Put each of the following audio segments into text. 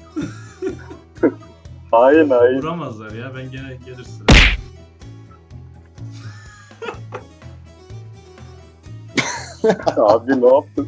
Hain hain. Vuramazlar ya, ben gene gelir sıra. Abi ne yaptın?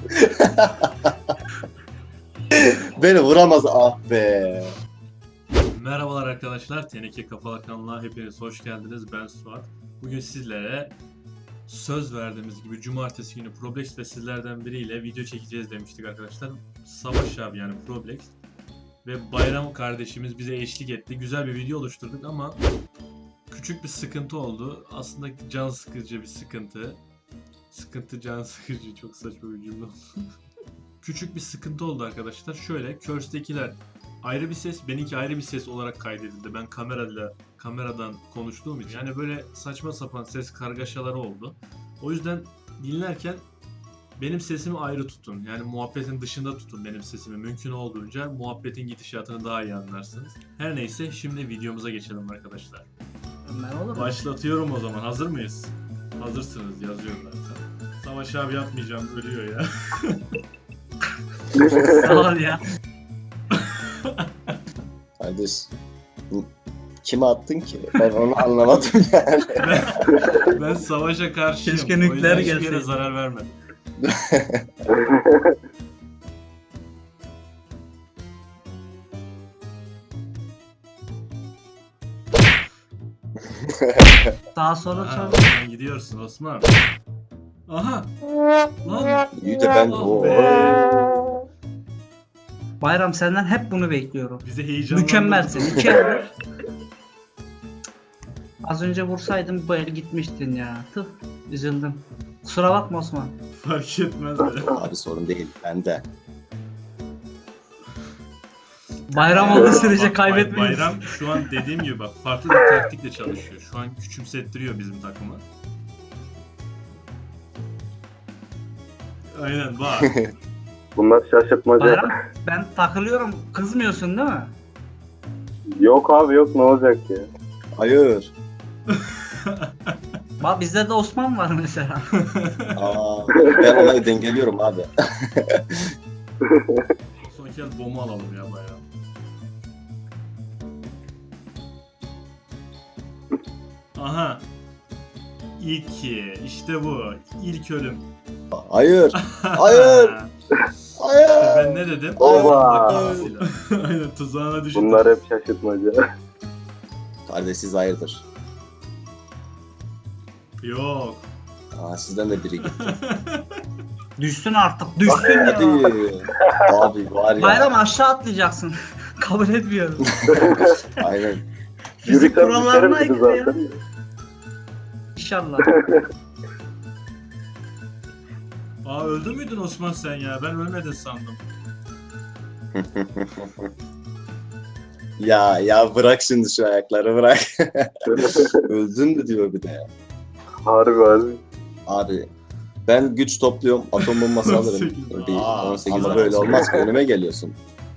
Beni vuramaz ah be. Merhabalar arkadaşlar, Teneke Kafalar kanalına hepiniz hoş geldiniz. Ben Suat. Bugün sizlere söz verdiğimiz gibi cumartesi günü Problex ve sizlerden biriyle video çekeceğiz demiştik arkadaşlar. Savaş abi yani Problex ve Bayram kardeşimiz bize eşlik etti. Güzel bir video oluşturduk ama küçük bir sıkıntı oldu. Aslında can sıkıcı bir sıkıntı. Sıkıntı can sıkıcı, çok saçma bir cümle oldu. Küçük bir sıkıntı oldu arkadaşlar. Şöyle, Curse'dekiler ayrı bir ses, benimki ayrı bir ses olarak kaydedildi. Ben kameradan konuştuğum için. Yani böyle saçma sapan ses kargaşaları oldu. O yüzden dinlerken benim sesimi ayrı tutun. Yani muhabbetin dışında tutun benim sesimi. Mümkün olduğunca muhabbetin gidişatını daha iyi anlarsınız. Her neyse, şimdi videomuza geçelim arkadaşlar. Başlatıyorum o zaman. Hazır mıyız? Hazırsınız, yazıyorum zaten. Savaş abi yapmayacağım, ölüyor ya. Sağ ol ya. Kardeş. Kime attın ki? Ben onu anlamadım yani. Ben savaşa karşıyım. Keşke O yüzden nükleer hiçbir yere gelseydi. zarar vermedim. Daha sonra Ha, sonra. Osman gidiyorsun Osman. Aha. Lan. İyi de ben Ah o be. Bayram senden hep bunu bekliyorum. Bizi heyecanlandırdın. Mükemmelsin. İki elde. Az önce vursaydın bu el gitmiştin ya. Tüh. Üzüldüm. Kusura bakma Osman. Fark etmez be. abi sorun değil. Ben de. Bayram olduğu sürece Bak, kaybetmeyiz. Bayram şu an dediğim gibi bak farklı bir taktikle çalışıyor. Şu an küçümsettiriyor bizim takımı. Aynen bak. Bunlar şaşırtmaca. Bayram ben takılıyorum. Kızmıyorsun değil mi? Yok abi yok, ne olacak ya? Hayır. Bak bizde de Osman var mesela. Aa, ben olayı dengeliyorum abi. Son kez bomba alalım ya Bayram. Aha. İki. İşte bu. İlk ölüm. Hayır. Hayır. Hayır. Ben ne dedim? Oba. Aynen, tuzağına düştüm. Bunlar hep şaşırtmaca. Kardeş siz hayırdır? Yok. Aa, sizden de biri gitti. Düşsün artık. Düşsün Hadi. ya. Abi var ya. Bayram aşağı atlayacaksın. Kabul etmiyorum. Aynen. Fizik Yürüten kurallarına düşerim bir aykırı ya. zaten. İnşallah. Aa, öldü müydün Osman sen ya? Ben ölmedin sandım. Ya bırak şimdi şu ayakları bırak. Öldün mü diyor bir de ya. Harbi harbi. Abi ben güç topluyorum, atom bombası alırım. 18. Bir Aa, 18 Allah böyle Allah. olmaz ki, önüme geliyorsun.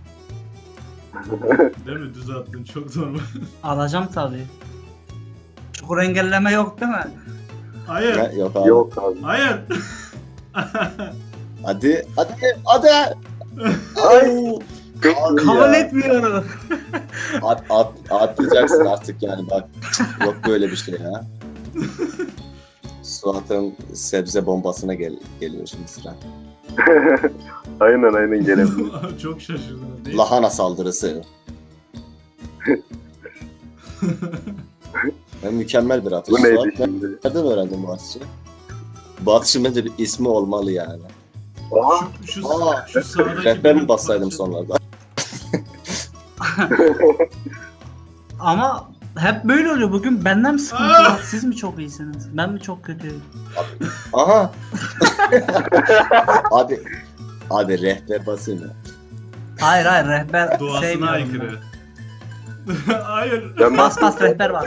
Değil mi? Düz attın. Çok normal. Alacağım tabii. Çukur engelleme yok değil mi? Hayır. Ne? Yok abi. Yok abi. Hayır. Hadi. Ay. Kabul etmiyorum. Atlayacaksın artık yani bak. Yok böyle bir şey ya. Suat'ın sebze bombasına geliyor şimdi sıra. Aynen gelebilir. Çok şaşırdım. Değil. Lahana saldırısı. Ben mükemmel bir atış. Bu neydi Suat, şimdi? nereden öğrendin bu atışı? Bu atışın bence bir ismi olmalı yani. Aha. Şu sağdaki... Rehber mi bassaydım sonlarda? Ama hep böyle oluyor. Bugün benden mi sıkıntı var? Siz mi çok iyisiniz? Ben mi çok kötüyüm? Aha. abi rehber basayım ya. Hayır rehber Doğasına sevmiyorum aykırı. Hayır. Ben Bas rehber var.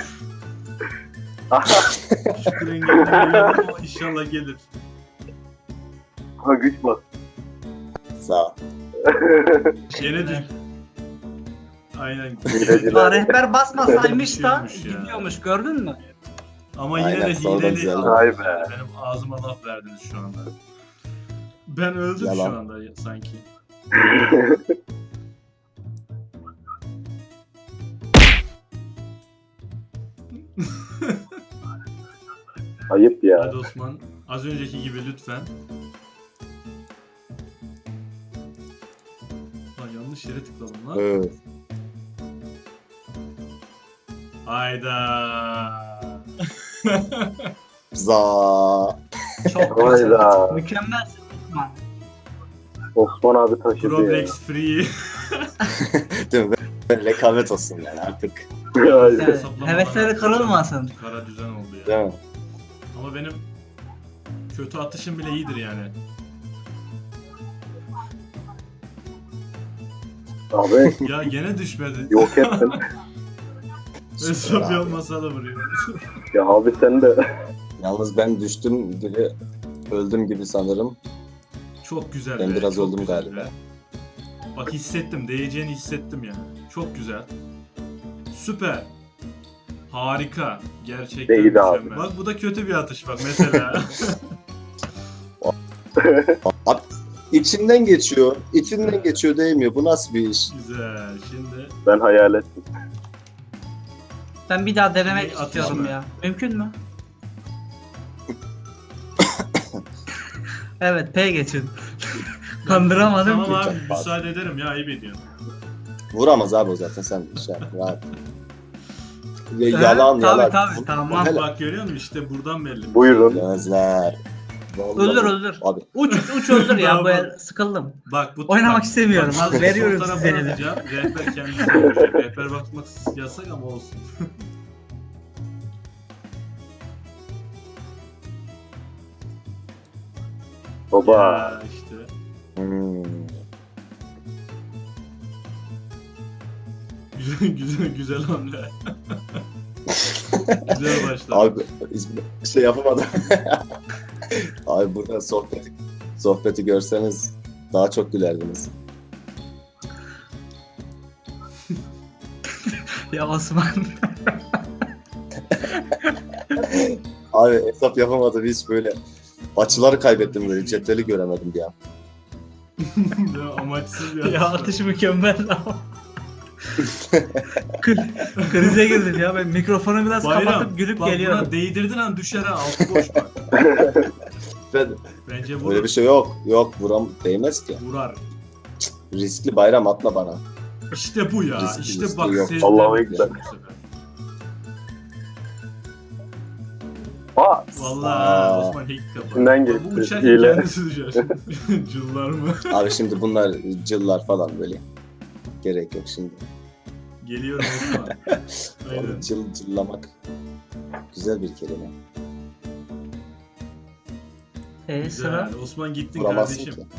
Şükür engellemeyelim ama inşallah gelir. Ha güç bas. Sağ ol. Gene düş. Aynen. Ya rehber basmasaymış da Düşüyormuş ya. gidiyormuş gördün mü? Ama yine Aynen, de sonradan hileli. güzel. Vay be. Benim ağzıma laf verdiniz şu anda. Ben öldüm Yalan. şu anda sanki. Ayıp ya. Hadi Osman. Az önceki gibi lütfen. Lan yanlış yere tıkladım lan. Evet. Hayda. Za. Çok Hayda. güzel. Mükemmelsin Osman. Osman abi taşıdı ya. Problex free. Değil mi? Böyle rekabet olsun yani artık. Aynen. Yani, Hesaplamalar hevesleri yapacağım. kırılmasın. Kara düzen oldu ya. Değil mi? Ama benim kötü atışım bile iyidir yani. Abi Ya gene düşmedi. yok ettin. Hesap Abi. yapmasa da vuruyor. Ya abi sen de. Yalnız ben düştüm gibi öldüm gibi sanırım. Çok güzel Ben be, biraz çok öldüm güzel galiba. be. Bak hissettim, değeceğini hissettim yani. Çok güzel. Süper. Harika. Gerçekten Değdi abi. mükemmel. Bak bu da kötü bir atış bak mesela. Abi, içinden geçiyor. İçinden geçiyor değmiyor. Bu nasıl bir iş? Güzel. Şimdi Ben hayal ettim. Ben bir daha denemek Bir atış istiyorum mı? ya. Mümkün mü? Evet, P geçin. Kandıramadım tamam ki. abi Çok fazla. müsaade ederim ya ayıp ediyorsun. Vuramaz abi o zaten sen şey yap, rahat. Ya, Evet, yalan tabii, yalan. tabii, tamam. Hele- Bak görüyor musun işte buradan belli. Buyurun. Gözler. Vallahi. Öldür. Abi Uç öldür ya. Bu Bravo. el sıkıldım. Bak bu Oynamak bak, istemiyorum. bak, Abi, veriyorum sol size tarafa eli. atacağım. Rehber kendisi öldürecek. Rehber bakmak yasak ama olsun. Baba. Ya işte. hmm. Güzel hamle. Güzel başladı. Abi hiçbir şey yapamadım. Abi burada sohbeti görseniz daha çok gülerdiniz. Ya Osman. Abi hesap yapamadım hiç böyle. Açıları kaybettim böyle. Cetveli göremedim bir an. Ya amaçsız bir Ya atış. atış mükemmel ama. Krize girdim ya. Ben mikrofonu biraz Bayram, kapatıp gülüp bak geliyorum. buna değdirdin an düşer ha altı boş bak. Ben, Bence vurur. böyle bir şey yok. Yok değmez ki. Vurar. Riskli bayram atma bana. İşte bu ya. Riskli, İşte riskli bak yok. sezdim Allahu bu Ekber. sefer. Aa. Vallahi Aa. Osman hack kapat. İçinden Bu geçti, uçarken hile. kendisi düşer. Cıllar mı? Abi şimdi bunlar cıllar falan böyle. Gerek yok şimdi. Geliyorum Osman. Aynen. Onu cıllamak güzel bir kelime. Sıra. Güzel. Osman gittin Vuramazsın kardeşim. ki.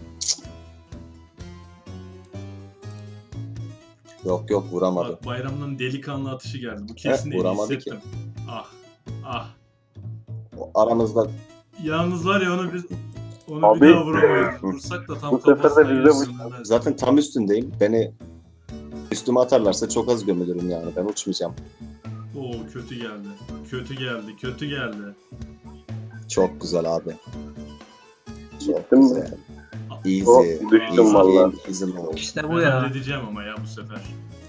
Yok vuramadı. Bak bayramdan delikanlı atışı geldi. Bu kesin değil vuramadı hissettim. Ah. Ah. O aramızda Yalnız var ya onu Abi. bir daha vuramayız. Vursak da tam Bu sefer de kafasına bizde bu- gelsin. zaten tam üstündeyim. Beni üstüme atarlarsa çok az gömülürüm yani. Ben uçmayacağım. Oo kötü geldi. Kötü geldi. Çok güzel abi. Çok Gittin mi? güzel. Easy. Hop, düştüm easy vallahi. game, easy mode. İşte Ben bu ya. halledeceğim ama ya bu sefer.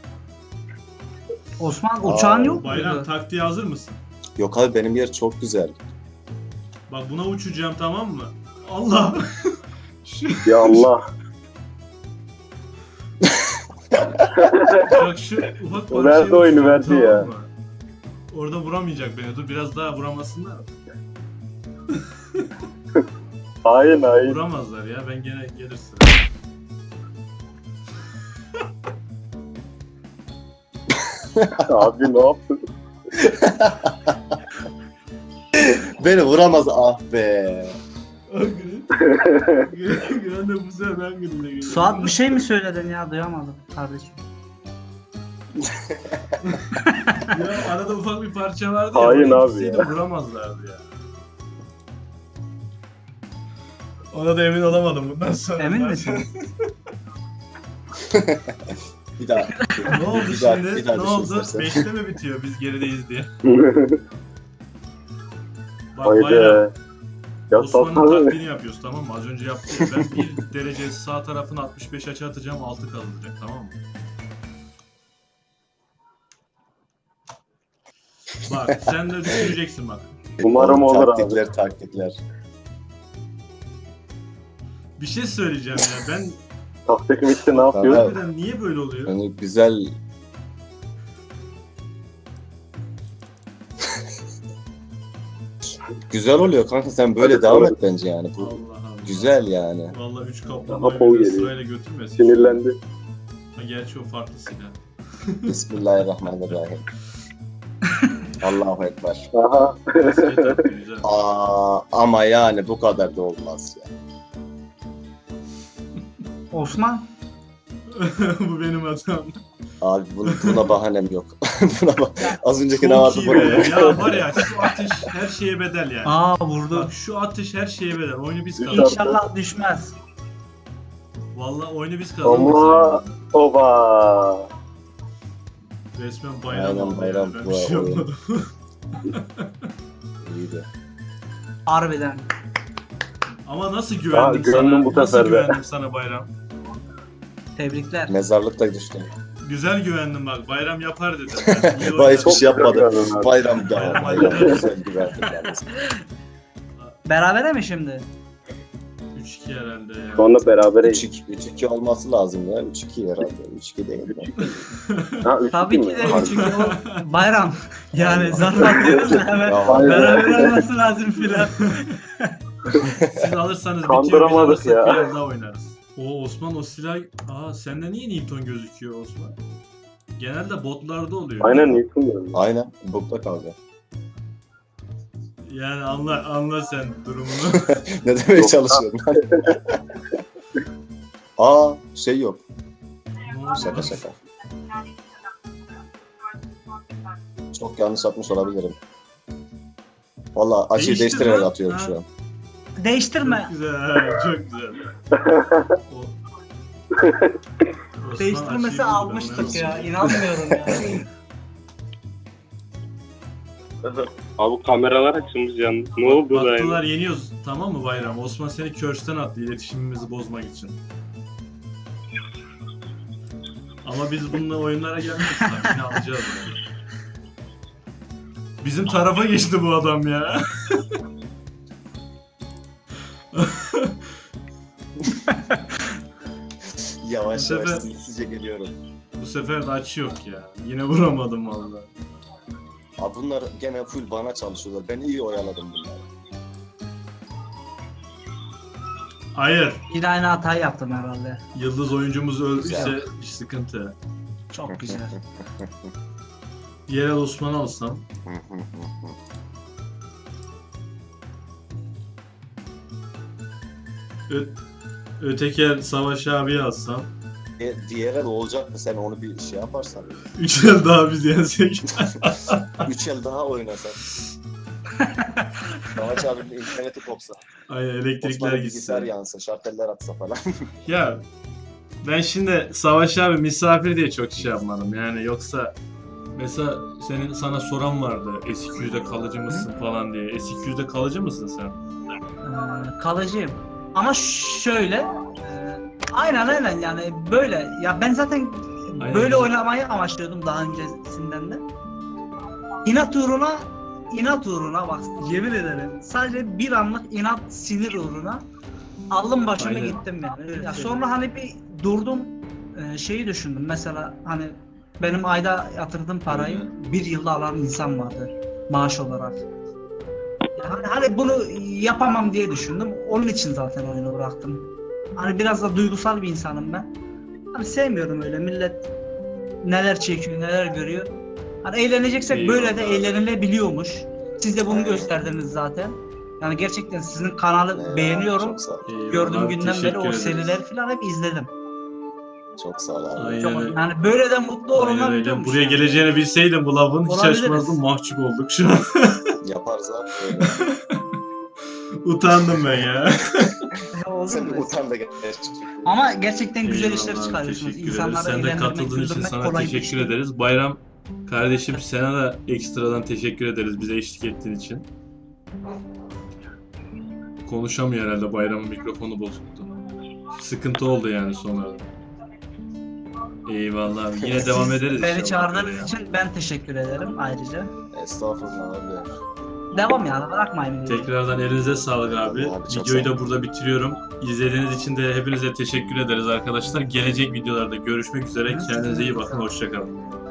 Osman uçağın Aa, yok Bayram muydu? taktiğe hazır mısın? Yok abi benim yer çok güzel. Bak buna uçacağım tamam mı? Allah! Ya Allah. Bak şu ufak O parçayı verdi oyunu, uçacağım, verdi tamam ya. mı? Orada vuramayacak beni. Dur biraz daha vuramasınlar. Hain. Vuramazlar ya. Ben gene gelir sıra. Abi ne yaptın? Beni vuramaz ah be. Gren de bu sefer ben gülüne geliyorum. Suat bir şey mi söyledin ya? Duyamadım kardeşim. Ya arada ufak bir parça vardı ya. Hain oraya abi gitseydi ya. vuramazlardı ya. Ona da emin olamadım bundan sonra. Emin misin? Bir daha. Ne oldu Bir daha- şimdi? bir daha Ne düşün oldu? istersen. 5'te mi bitiyor biz gerideyiz diye? Bak Bayram. Haydi. Ya Osman'ın satma. taktiğini yapıyoruz tamam mı? Az önce yaptık ya. Ben bir derece sağ tarafını 65 açı atacağım 6 kalacak tamam mı? Bak sen de düşüneceksin bak. Umarım olur abi. Taktikler. Bir şey söyleyeceğim ya. Ben Taktik bitti ne yapıyor? Tamam. harbiden niye böyle oluyor? Yani güzel. Güzel oluyor kanka, sen böyle devam et bence yani. Bu Allah Allah. güzel yani. Vallahi 3 Daha kaplumbağayı bol bir de geliyor. sırayla götürmesin. Sinirlendi. Ha, gerçi o farklı silah. Bismillahirrahmanirrahim. Allahu Ekber. Aha. Basket attı, güzel. Ama yani bu kadar da olmaz ya. Osman. Bu benim hatam. Abi buna bahanem yok. Az önceki ne Çok vardı iyi bu? be. Ya var ya şu ateş her şeye bedel yani. Aa vurdu. Bak şu ateş her şeye bedel. Oyunu biz kazandık. İnşallah düşmez. Vallahi oyunu biz kazandık. Ama oba. Resmen bayram Aynen, oldu bayram yani. Ben bu bir şey oyun. yapmadım. İyiydi. Harbiden. Ama nasıl güvendim güvendim sana? bu Nasıl sefer de. güvendim sana bayram? Tebrikler. Mezarlıkta düştüm. Güzel güvendim bak. Bayram yapar dedim. İyi Vay hiçbir oynadı. şey yapmadım. güvendim abi. Bayram da. Bayram. Bayram. Güzel güvendim yalnız. Berabere mi şimdi? 3-2 herhalde ya. Şu anda berabereyiz. 3-2 olması lazım ya. 3-2 herhalde. 3-2 değil mi? Ha 3 Tabii ki de Harbi. çünkü o bayram. Yani zarf diyoruz da hemen Ya, Aynen. beraber olması lazım filan. Siz alırsanız bitiyor. Biz Kandıramadık alırsak ya. biraz daha oynarız. O Osman o silah... Aa sende niye Newton gözüküyor Osman? Genelde botlarda oluyor. Aynen Newton diyorum. Aynen. Bukta kaldı. Yani anla sen durumunu. Ne demeye çalışıyorum? Şey yok. Şaka şaka. Çok yanlış atmış olabilirim. Valla açıyı Değiştir değiştirerek lan. atıyorum Ha. şu an. Değiştirme. Çok güzel, çok güzel. Osman Değiştirmesi açıyı buldu, almıştık ben ya. nasıl- İnanmıyorum ya. Abi kameralar açılmış yalnız. Ne oldu da yani? Baktılar yeniyoruz tamam mı Bayram? Osman seni körsten attı iletişimimizi bozmak için. Ama biz bununla oyunlara gelmeyiz. Sakin alacağız yani. Bizim tarafa geçti bu adam ya. Yavaş Bu yavaş sefer- sinsice geliyorum. Bu sefer de açı yok ya. Yine vuramadım vallahi. Abi bunlar gene full bana çalışıyorlar. Ben iyi oyaladım bunları. Hayır. Yine aynı hatayı yaptım herhalde. Yıldız oyuncumuz öldüyse Güzel. bir sıkıntı. Çok güzel. Yerel Osman alsam. Öteki el Savaş abi alsam. Diğer el olacak mı? Sen onu bir şey yaparsan. 3 el daha biz yensek. 3 el daha oynasak. Savaş abinin interneti kopsa. Ay elektrikler Osman'ın bilgisayar gitsin. yansa, şarteller atsa falan. Ya ben şimdi Savaş abi misafir diye çok şey yapmadım yani yoksa mesela sana soran vardı S200'de kalıcı mısın falan diye. S200'de kalıcı mısın sen? Kalıcıyım. Ama şöyle aynen yani böyle ya ben zaten Aynen. böyle oynamayı amaçlıyordum daha öncesinden de. İnat uğruna bak yemin ederim sadece bir anlık inat sinir uğruna aldım başımı Aynen. gittim yani. Ya sonra hani bir durdum şeyi düşündüm mesela hani benim ayda yatırdığım parayı bir yılda alan insan vardır maaş olarak. Ya hani bunu yapamam diye düşündüm. Onun için zaten oyunu bıraktım. Hani biraz da duygusal bir insanım ben. Hani sevmiyorum öyle millet neler çekiyor, neler görüyor. Hani eğleneceksek böyle de Eyvallah. eğlenilebiliyormuş. Siz de bunu gösterdiniz zaten. Yani gerçekten sizin kanalı beğeniyorum. Çok sağ ol. Eyvallah, Gördüğüm günden beri teşekkür o ederiz. seriler falan hep izledim. Çok sağ ol abi. Aynen Çok, öyle. yani böyle de mutlu Aynen öyle. olunabiliyormuş. Buraya yani. geleceğini bilseydim bu lafın hiç Olabiliriz. açmazdım. Mahcup olduk şu an. Yaparız abi öyle. Utandım ben ya. Olur Sen mu? utan da gerçekten. Ama gerçekten güzel işler Eyvallah, çıkarıyorsunuz. teşekkür ederiz. İnsanları Sen de eğlendirmek, katıldığın için güldürmek sana kolay bir teşekkür iş. ederiz. Bayram kardeşim sana da ekstradan teşekkür ederiz bize eşlik ettiğin için. Konuşamıyor herhalde Bayram'ın mikrofonu bozuktu. Sıkıntı oldu yani sonra. Eyvallah abi. Yine devam ederiz Beni inşallah çağırdığınız böyle ya. için ben teşekkür ederim ayrıca. Estağfurullah abi. devam yani bırakmayın. videoyu. Tekrardan elinize sağlık abi. Abi, çok Videoyu sağ ol. da burada bitiriyorum. İzlediğiniz için de hepinize teşekkür ederiz arkadaşlar. Gelecek videolarda görüşmek üzere. Kendinize iyi bakın. Hoşçakalın.